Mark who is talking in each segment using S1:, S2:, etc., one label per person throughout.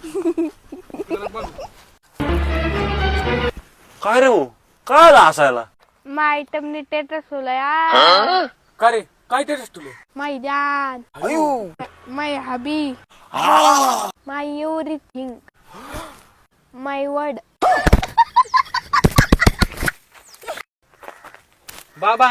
S1: काय रे भाऊ, काय हसायला?
S2: मा आयटमनी टेटस होला यार.
S3: का रे काय टेरेस तुला?
S2: My dad, my hubby, my everything, my word.
S3: बाबा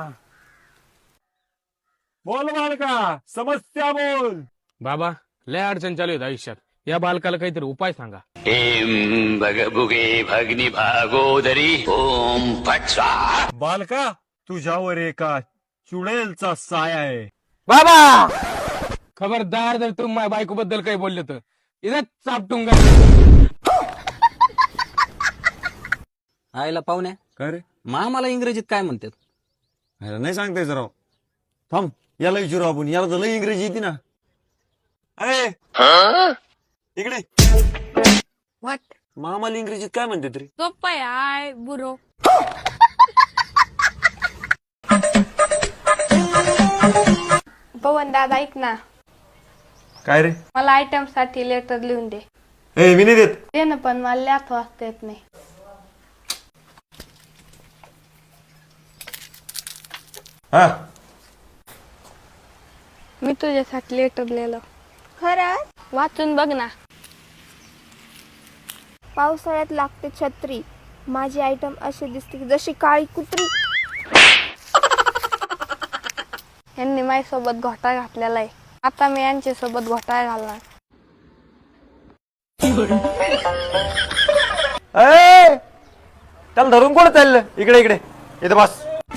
S1: बोल बालका, समस्या बोल.
S3: बाबा लय अडचण चालू आहेत आयुष्यात. या बालकाला काहीतरी उपाय सांगा.
S4: एम भगभुगे भगनी भागोदरी ओम फट स्वाहा.
S1: बालका, तुझ्यावर एका चुडेलचा साया आहे.
S3: बाबा खबरदार जर तुम्ही माझ्या बायको बद्दल काही बोलले तर इथं चापटूंगा.
S5: आईला पाहुण्या
S1: काय रे?
S5: मामाला इंग्रजीत काय म्हणतात?
S1: अरे नाही सांगताय राव. थांब, याला विचारू आपण. याला तर लई इंग्रजी येते ना. अरे इकडे,
S2: व्हॉट?
S1: मामाला इंग्रजीत काय म्हणते तरी?
S2: सोप्पा आहे बुरो. पवन दादा ऐक ना,
S1: काय रे?
S2: मला आयटम साठी लेटर लिहून दे.
S1: ए मी नाही देत.
S2: दे ना, पण मला लिहायचं वाचता येत नाही.
S1: हा,
S2: मी तुझ्यासाठी लेटर लिहिलं.
S6: खरंच?
S2: वाचून बघ ना.
S6: पावसाळ्यात लागते छत्री, माझी आयटम अशी दिसते की जशी काळी कुत्री.
S2: यांनी माझ्यासोबत घोटाळा घातलेला आहे, आता मी यांच्या सोबत घोटाळा घालणार.
S1: ए त्याला धरून कोण चाललं? इकडे इकडे, इथं बस.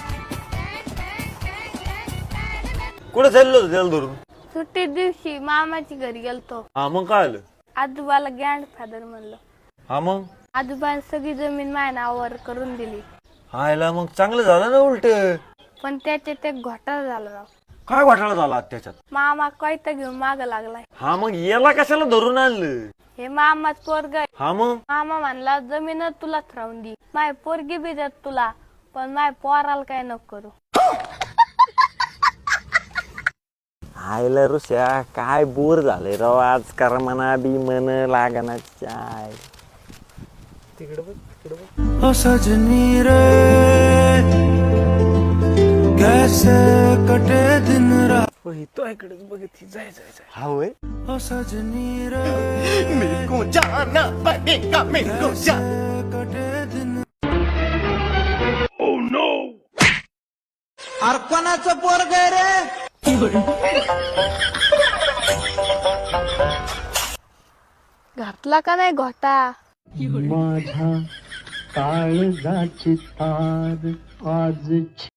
S1: कुठं चाललो होतं त्याला धरून?
S2: सुट्टी दिवशी मामाची घरी गेलतो.
S1: हा मग काय आलं?
S2: आजोबाला ग्रँडफादर म्हणलं.
S1: हा मग
S2: आजोबाने सगळी जमीन माझ्या नावावर करून दिली,
S1: हायला मग चांगलं झालं ना उलट.
S2: पण त्याच्यात एक घोटाळा झाला राव.
S1: काय घोटाळा झाला त्याच्यात?
S2: मामा कोयता घेऊन माग लागलाय.
S1: हा मग याला कशाला धरून आणलं?
S2: हे मामाच पोरग आहे.
S1: हा मग
S2: मामा म्हणला जमीनच तुलाच राहून दे, माय पोरगी बी देत तुला, पण माय पोराला काय नको करू.
S1: हायला ऋषा, काय बोर झालंय राव आज. कर म्हणा बी मन लागना चाय.
S7: ओ सजनी रे कैसे कटे दिन रात.
S3: तो इकडेच बघित जाय जाय जाय.
S1: हा होय.
S7: ओ सजनी रे मेरे जाना पड़ेगा, मेरे कटे दिन. Oh no. अरे कोणाचं पोरग आहे रे?
S2: घातला का नाही घोटा?
S7: माझ्या काळजाची तार आज